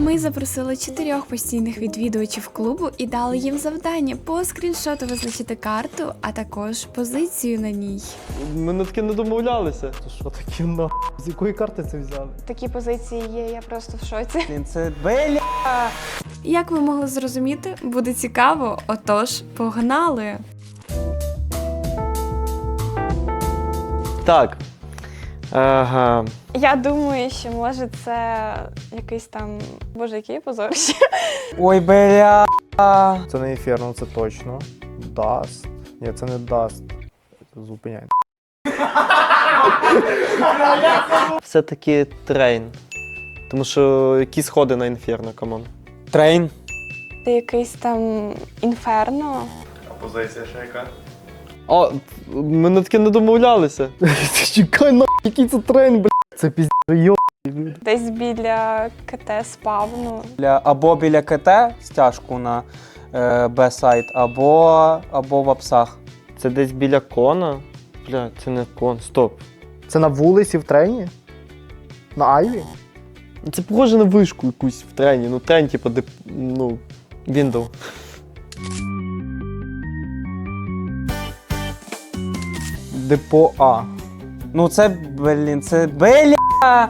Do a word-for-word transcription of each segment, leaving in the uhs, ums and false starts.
Ми запросили чотирьох постійних відвідувачів клубу і дали їм завдання по скріншоту визначити карту, а також позицію на ній. Ми на таке не домовлялися. Це що таке на? З якої карти це взяли? Такі позиції є, я просто в шоці. Блін, це бля. Як ви могли зрозуміти, буде цікаво, отож, погнали! Так. Ага. Я думаю, що може це якийсь там, боже, який позорище. Ой, бля. Це не Інферно, це точно. Даст. Ні, це не Даст. Зупиняй. Все-таки трейн. Тому що які сходи на інферно, камон. Трейн. Це якийсь там інферно. А позиція ще яка? О, ми на таке не домовлялися. Чекай, на який це трейн, бля. Це пізд... йо. Десь біля КТ спавну. Біля, або біля КТ стяжку на е, Б-сайт, або, або в апсах. Це десь біля кона. Бля, це не кон. Стоп. Це на вулиці в трейні? На Айві? Це похоже на вишку якусь в трені. Ну, трен, типу, де, ну, Windows. Депо А. Ну це, блін, це бля.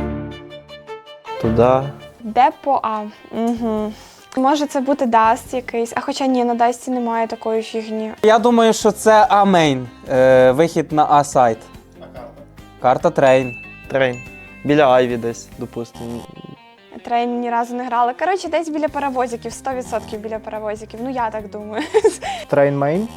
Туди. Депо А. Угу. Може це бути Даст якийсь, а хоча ні, на Дасті немає такої фігні. Я думаю, що це А-мейн. Е, вихід на А-сайт. А карта? Карта трейн. Трейн. Біля Айві десь, допустимо. Трейн ні разу не грали. Коротше, десь біля паровозиків, сто відсотків біля паровозиків. Ну я так думаю. Трейн мейн.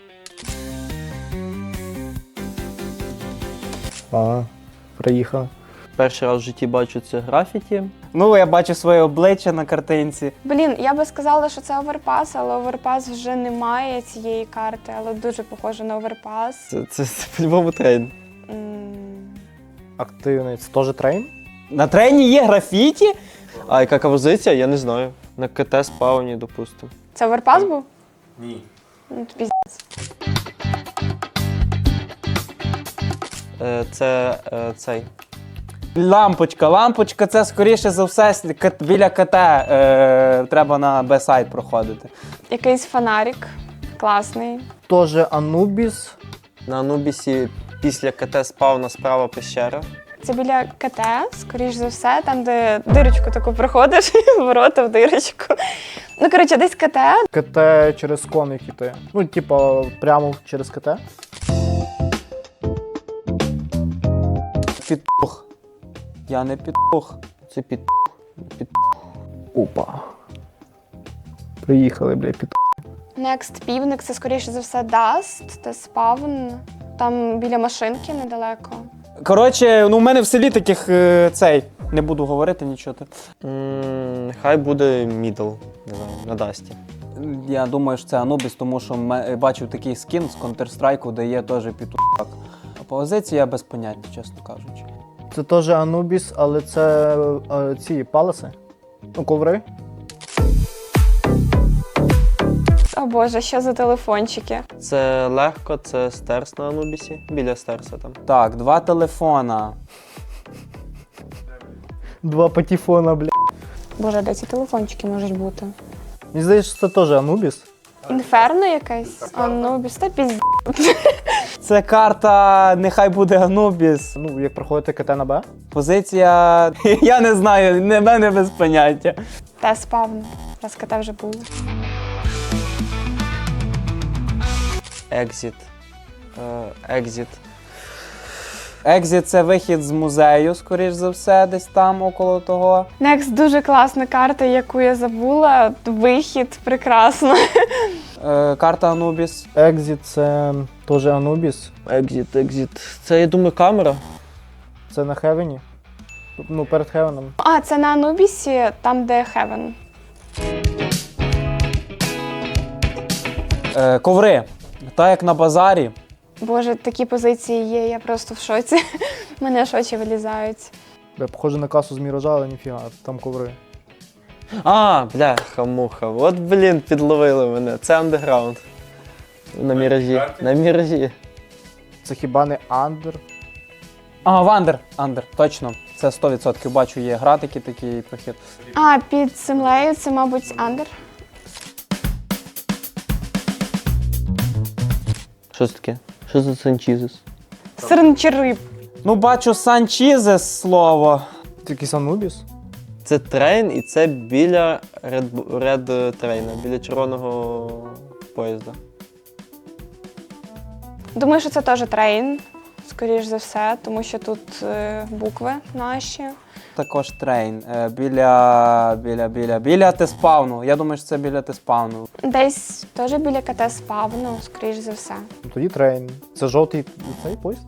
А, приїхав. Перший раз в житті бачу це графіті. Ну, я бачу своє обличчя на картинці. Блін, я би сказала, що це оверпас, але оверпас вже немає цієї карти, але дуже похоже на оверпас. Це, це, це по-любому трейн. М, Активний. Це теж трейн? На трейні є графіті? А яка позиція, я не знаю. На КТ спауні, допустимо. Це оверпас був? Ні. Ну, тобі Е, це е, цей. Лампочка. Лампочка це, скоріше за все, с- кат- біля КТ. Е, треба на Б-сайт проходити. якийсь фонарик класний. Теж Анубіс. На Анубісі після КТ спауна справа пещера. Це біля КТ, скоріш за все, там, де дирочку таку проходиш, ворота в дирочку. Ну, коротше, десь КТ. КТ через коник іти. Ну, типа, прямо через КТ. Підпух. Я не підпух. Це під... під... Опа. Приїхали, бля, під... Next півник, це скоріше за все Даст, це спавн. Там біля машинки недалеко. Коротше, ну в мене в селі таких е, цей. Не буду говорити нічого. М, Хай буде мідл, не знаю, на Дасті. Я думаю, що це Анубіс, тому що ме- бачив такий скін з Counter-Strike, де є теж підпух. А позиція без поняття, чесно кажучи. Це теж Анубіс, але це е, ці паласи. Ну, коври. О боже, що за телефончики? Це легко, це стерс на Анубісі, біля стерса там. Так, два телефона. Два патефона, бля. Боже, де ці телефончики можуть бути? Мені здається, що це теж Анубіс. Інферно якесь? Анубіс, та пізд... Це карта, нехай буде Анубіс. Ну, як проходите КТ на Б. Позиція, я не знаю, не мене без поняття. Та спавн. Раз КТ вже було. Екзіт. Е, Екзіт. Екзіт – це вихід з музею, скоріш за все, десь там, около того. Next дуже класна карта, яку я забула. Вихід, прекрасно. Е, карта Анубіс. Екзіт це теж Анубіс. Екзіт, екзіт. Це, я думаю, камера. Це на Хевені. Ну, перед Хевеном. А, це на Анубісі, там, де Хевен. Е, коври. Так як на базарі. Боже, такі позиції є, я просто в шоці. Мене аж очі вилізають. Бля, похоже на касу з Міража, але ніфіга, там коври. А, бляха-муха. От, блін, підловили мене. Це андеграунд. На міражі. На міражі. Це хіба не Андер? А, Вандер. Андер, точно. Це сто відсотків бачу, є гратики такий прохід. А, під землею це, мабуть, андер. Що це таке? Що за Санчізес? Сирнчериб. Ну, бачу Санчізес слово. Це якийсь Анубіс? Це трейн і це біля Red, Red трейна, біля червоного поїзда. Думаю, що це теж трейн, скоріш за все, тому що тут е, букви наші. Також трейн. Е, біля, біля, біля, біля Теспавну. Я думаю, що це біля Теспавну. Десь теж біля КТ спавну, скоріш за все. Ну, тоді трейн. Це жовтий цей поїзд?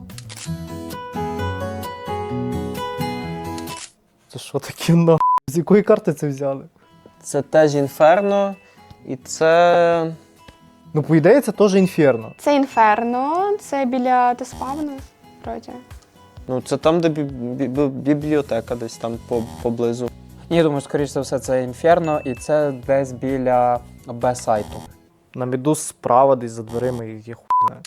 Це що таке на? З якої карти це взяли? Це теж інферно, і це. Ну, по ідеї, це теж інферно. Це інферно, це біля Теспавну, вроді. Ну, це там, де бі- бі- бібліотека, десь там по- поблизу. Ні, я думаю, скоріш за все, це Інферно, і це десь біля Б-сайту. На міду справа десь за дверима і є хуй знає.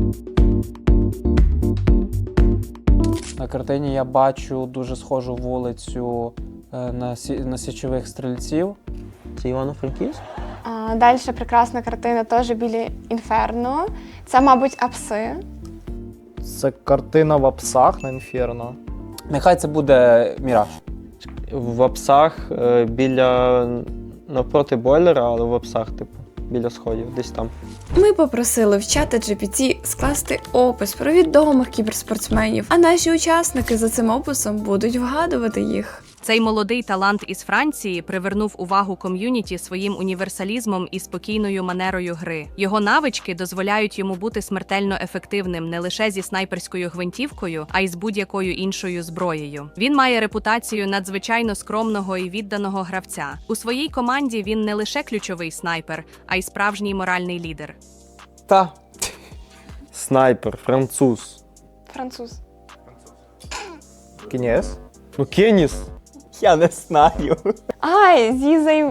На картині я бачу дуже схожу вулицю е, на, сі, на січових стрільців. Це Івано-Франківськ? А, далі прекрасна картина теж біля інферно. Це, мабуть, апси. Це картина в апсах на інферно. Нехай це буде Міраж. В апсах е, біля навпроти бойлера, але в апсах, типу, біля сходів, десь там. Ми попросили в чата джі пі ті скласти опис про відомих кіберспортсменів, а наші учасники за цим описом будуть вгадувати їх. Цей молодий талант із Франції привернув увагу ком'юніті своїм універсалізмом і спокійною манерою гри. Його навички дозволяють йому бути смертельно ефективним не лише зі снайперською гвинтівкою, а й з будь-якою іншою зброєю. Він має репутацію надзвичайно скромного і відданого гравця. У своїй команді він не лише ключовий снайпер, а й справжній моральний лідер. Та. Снайпер, француз. Француз. Кінєс? Ну, Кеніс. Я не знаю. Ай, зізай.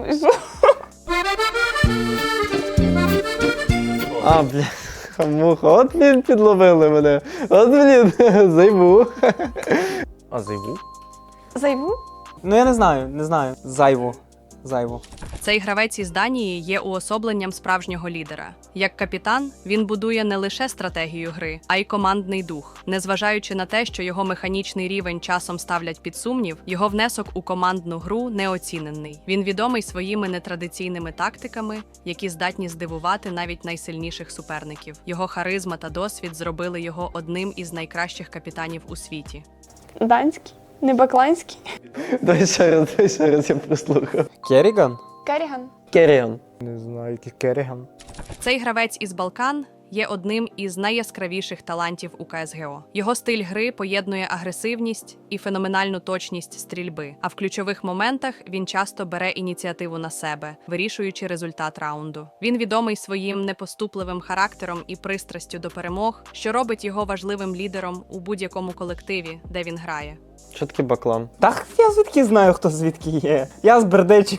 А, бля, хамуха, от блін підловили мене. От блін, займу. А зайву? Зайву? Ну я не знаю, не знаю. Зайву. Зайву. Цей гравець із Данії є уособленням справжнього лідера. Як капітан, він будує не лише стратегію гри, а й командний дух. Незважаючи на те, що його механічний рівень часом ставлять під сумнів, його внесок у командну гру неоцінений. Він відомий своїми нетрадиційними тактиками, які здатні здивувати навіть найсильніших суперників. Його харизма та досвід зробили його одним із найкращих капітанів у світі. Данський? Не бакланський? Дай ще раз, дай ще раз, я прослухав. Керріган? Керріган? Керіан. Не знаю, який Керріган. Цей гравець із Балкан є одним із найяскравіших талантів у ка ес ге о. Його стиль гри поєднує агресивність і феноменальну точність стрільби, а в ключових моментах він часто бере ініціативу на себе, вирішуючи результат раунду. Він відомий своїм непоступливим характером і пристрастю до перемог, що робить його важливим лідером у будь-якому колективі, де він грає. Що таке баклан? Так я звідки знаю, хто звідки є. Я з Бердичів.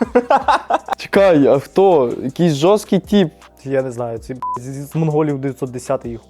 Чекай, а хто? Якийсь жорсткий тип. Я не знаю, ці б**, з, з монголів дев'ятсот десять їх.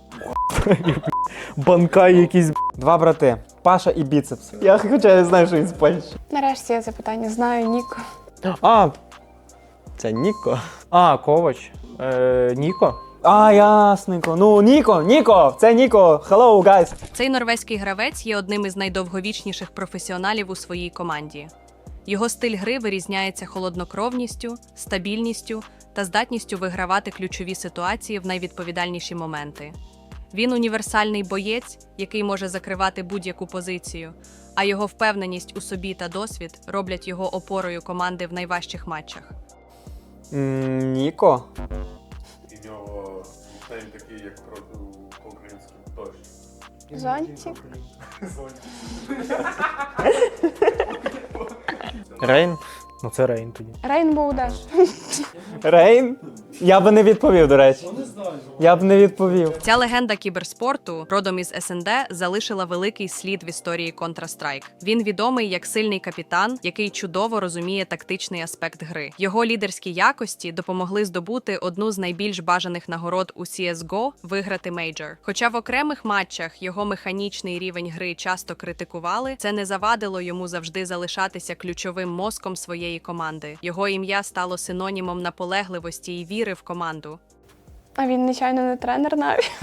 Банкай якийсь. б**. Два брати. Паша і біцепс. Я хоча не знаю, що він з Польщі. Нарешті я запитання знаю, Ніко. А, це Ніко. А, Ковач. Е, Ніко. А, ясненько. Ну, Ніко, Ніко, це Ніко. Hello, guys. Цей норвезький гравець є одним із найдовговічніших професіоналів у своїй команді. Його стиль гри вирізняється холоднокровністю, стабільністю та здатністю вигравати ключові ситуації в найвідповідальніші моменти. Він універсальний боєць, який може закривати будь-яку позицію, а його впевненість у собі та досвід роблять його опорою команди в найважчих матчах. М, Ніко? І в нього нікнейм такий, як проти український дощ. Зонтик? Рейн? Ну це Рейн тоді. Рейнбоу Деш. Рейн? Я би не відповів, до речі. Я б не відповів. Ця легенда кіберспорту, родом із ес ен де, залишила великий слід в історії Counter-Strike. Він відомий як сильний капітан, який чудово розуміє тактичний аспект гри. Його лідерські якості допомогли здобути одну з найбільш бажаних нагород у сі ес го – виграти мейджор. Хоча в окремих матчах його механічний рівень гри часто критикували, це не завадило йому завжди залишатися ключовим мозком своєї команди. Його ім'я стало синонімом наполегливості і віри в команду. А він, нечайно, не тренер навіть.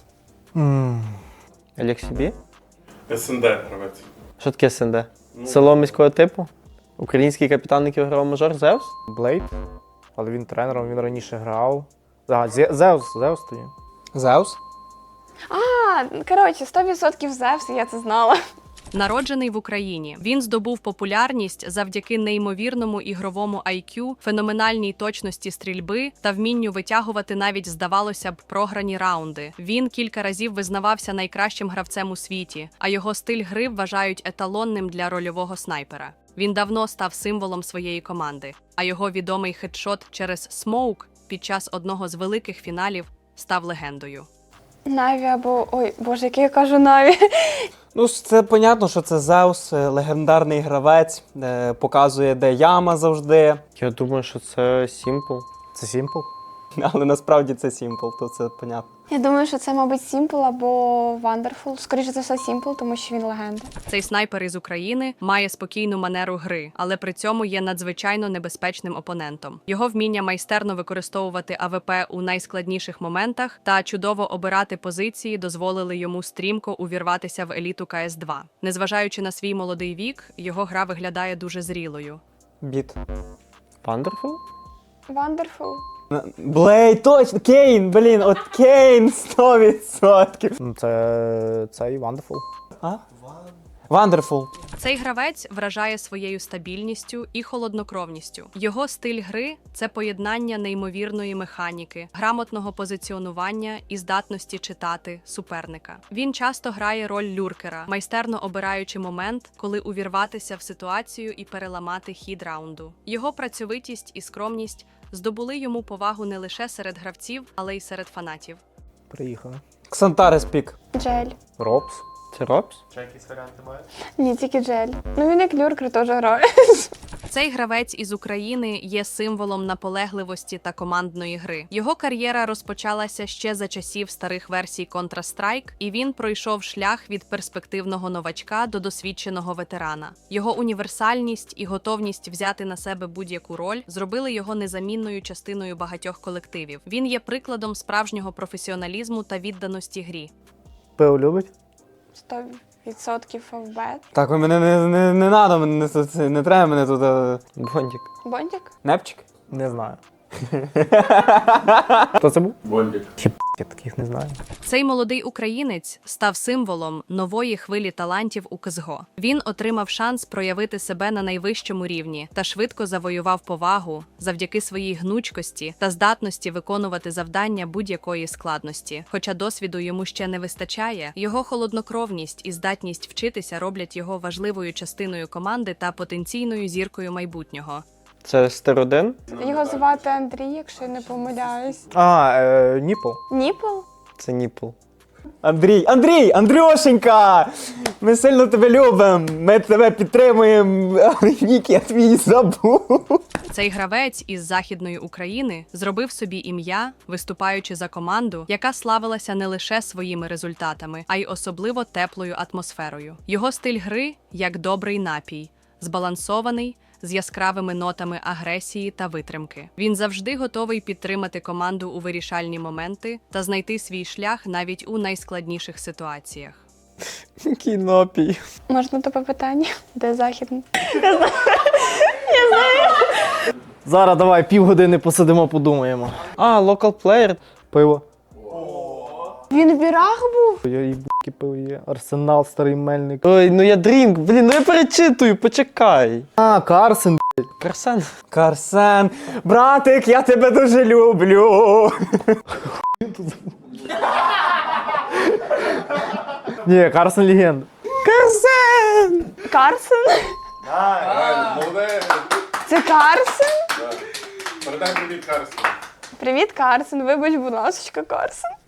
Алексібі? ес ен де гравець. Що таке ес ен де? Село міського типу? Український капітан, який виграв мажор, Зевс? Блейд. Але він тренером, він раніше грав. А, Зе- Зевс, Зевс тоді. Зеус? А, коротше, сто відсотків Зевс, я це знала. Народжений в Україні, він здобув популярність завдяки неймовірному ігровому ай к'ю, феноменальній точності стрільби та вмінню витягувати навіть, здавалося б, програні раунди. Він кілька разів визнавався найкращим гравцем у світі, а його стиль гри вважають еталонним для рольового снайпера. Він давно став символом своєї команди, а його відомий хедшот через смоук під час одного з великих фіналів став легендою. Наві або... Ой, боже, який я кажу Наві. Ну, це понятно, що це Зеус, е, легендарний гравець, е, показує, де яма завжди. Я думаю, що це Сімпл. Це Сімпл? Але насправді це Сімпл, то це понятно. Я думаю, що це, мабуть, Сімпл або Вандерфул. Скоріше за все, Сімпл, тому що він легенда. Цей снайпер із України має спокійну манеру гри, але при цьому є надзвичайно небезпечним опонентом. Його вміння майстерно використовувати а ве пе у найскладніших моментах та чудово обирати позиції дозволили йому стрімко увірватися в еліту ка ес два. Незважаючи на свій молодий вік, його гра виглядає дуже зрілою. Біт. Вандерфул? Вандерфул. Блей, точно! Кейн, блін, от Кейн сто відсотків. Ну це цей Вандерфул. А? Вандерфул. Цей гравець вражає своєю стабільністю і холоднокровністю. Його стиль гри – це поєднання неймовірної механіки, грамотного позиціонування і здатності читати суперника. Він часто грає роль люркера, майстерно обираючи момент, коли увірватися в ситуацію і переламати хід раунду. Його працьовитість і скромність здобули йому повагу не лише серед гравців, але й серед фанатів. Приїхали. Ксантарес пік. Джель. Робс. Це Робс? Ні, тільки Джель. Ну він як люркер теж грає. Цей гравець із України є символом наполегливості та командної гри. Його кар'єра розпочалася ще за часів старих версій Counter-Strike, і він пройшов шлях від перспективного новачка до досвідченого ветерана. Його універсальність і готовність взяти на себе будь-яку роль зробили його незамінною частиною багатьох колективів. Він є прикладом справжнього професіоналізму та відданості грі. Пиво любить? сто відсотків фавбет. Так, ви мене не, не, не надо, мене тут, не треба мене тут. е, Бондік. Бондік? Непчик? Не знаю. Хто це був? Бондік. Я таких не знаю. Цей молодий українець став символом нової хвилі талантів у ка ес ге о. Він отримав шанс проявити себе на найвищому рівні та швидко завоював повагу завдяки своїй гнучкості та здатності виконувати завдання будь-якої складності. Хоча досвіду йому ще не вистачає, його холоднокровність і здатність вчитися роблять його важливою частиною команди та потенційною зіркою майбутнього. Це Стер один? Його звати Андрій, якщо я не помиляюсь. А, е, Ніпл. Ніпл? Це Ніпл. Андрій, Андрій, Андрюшенька! Ми сильно тебе любимо, ми тебе підтримуємо, але нік я твій забув. Цей гравець із Західної України зробив собі ім'я, виступаючи за команду, яка славилася не лише своїми результатами, а й особливо теплою атмосферою. Його стиль гри як добрий напій, збалансований, з яскравими нотами агресії та витримки. Він завжди готовий підтримати команду у вирішальні моменти та знайти свій шлях навіть у найскладніших ситуаціях. Який напій. Можна тебе питання? Де західний? Зараз давай півгодини посидимо, подумаємо. А, локал плеєр. Пиво. Він в бірах був? Я їбки пиво є. Арсенал, старий мельник. Ой, ну я дрінк, блін, ну я перечитую, почекай. А, Карсен. Карсен. Карсен, братик, я тебе дуже люблю. Ні, Карсен легенда. Карсен! Карсен? Реально, молодець. Це Карсен? Да. Передай привіт Карсу. Привіт, Карсен. Вибач, будь ласка, Карсен.